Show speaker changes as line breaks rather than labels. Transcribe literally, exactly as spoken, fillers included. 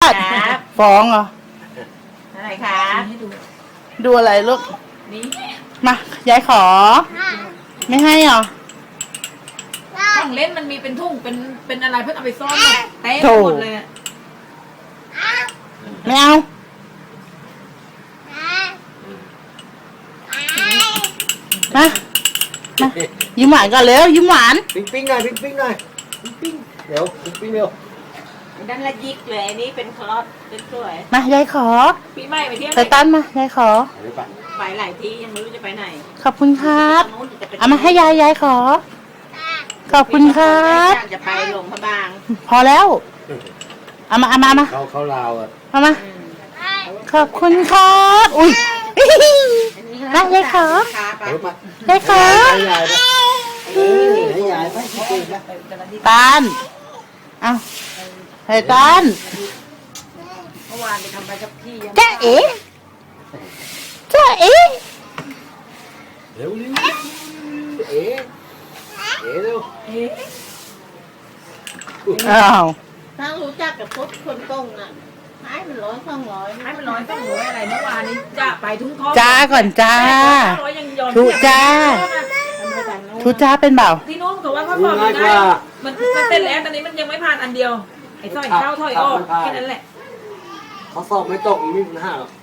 ดฟ้องเหรอ
อะไรครับให้ดู
ดูอะไรลูก
นี่
มายายขอ ไม่ให้เหรอ
ของเล่นมันมีเป็นทุ่งเป็นเป็นอะไรเพื่อนเอาไปซ่อนหมดเต็มหมดเลยอะ
ไม่เอามามายิ้มหวานก่อนเร็วยิ้มหวาน
ปิ้งปิ้งหน่อยปิ้งปิ้งหน่อยปิ้งปิ้งเดี๋ยวปิ้งปิ้งเร็ว
ด้านละยิกเลยอันนี้เป็นคลอสเป็นสวย
มายายขอ
ปีใหม่ไปเที่ยว
ไทตันมายายขอ
เดี๋ยวไป
ไปหลายที่ยังไม่รู้จะไปไหน
ขอบคุณครับ
ตรงนู้นจะไป
เอามาให้ยายยายขอ ขอบคุณครับ
อยากจะไปหลวงพระบาง
พอแล้วเอามาเอามามา
เขาเขาลาวอ่ะ
เอามา
อืม
ขอบคุณครับอุ้ย
อันนี้
มายายขอ
ขาไป
เอามาย
ายขอ
ให้ยายไปเออให้ยายไปปิ้งปิ้งนะ
ตาลเอาไทตัน
เมื่อวานไปทำใบกับพี่ยัง
จ้าเอ๋จ้าเอ๋
เร็วเร็วเอ๋เอ๋เร็ว
เอ๊ะ
อ้าว
ถ้ารู้จักกับพุทธคนตรงน่ะให้มันร้อยสองร้อย
ให้มันร้อยต้องหวยอะไรเมื่อวานนี้จะไปทุ่งทอง
จ้าก่อนจ้า
ร้อยยังยอม
ทุจ้า ทุจ้าเป็นเปล่า
ที่นู้นเขาว่าเขาสอบไม่ได้มันมันเต้นแล้วตอนนี้มันยังไม่ผ่านอันเดียวไอ้สร้อยเข้าถอยออกแค่นั้นแหละ
เขาสอบไม่ตกไม่มีปัญหาหรอก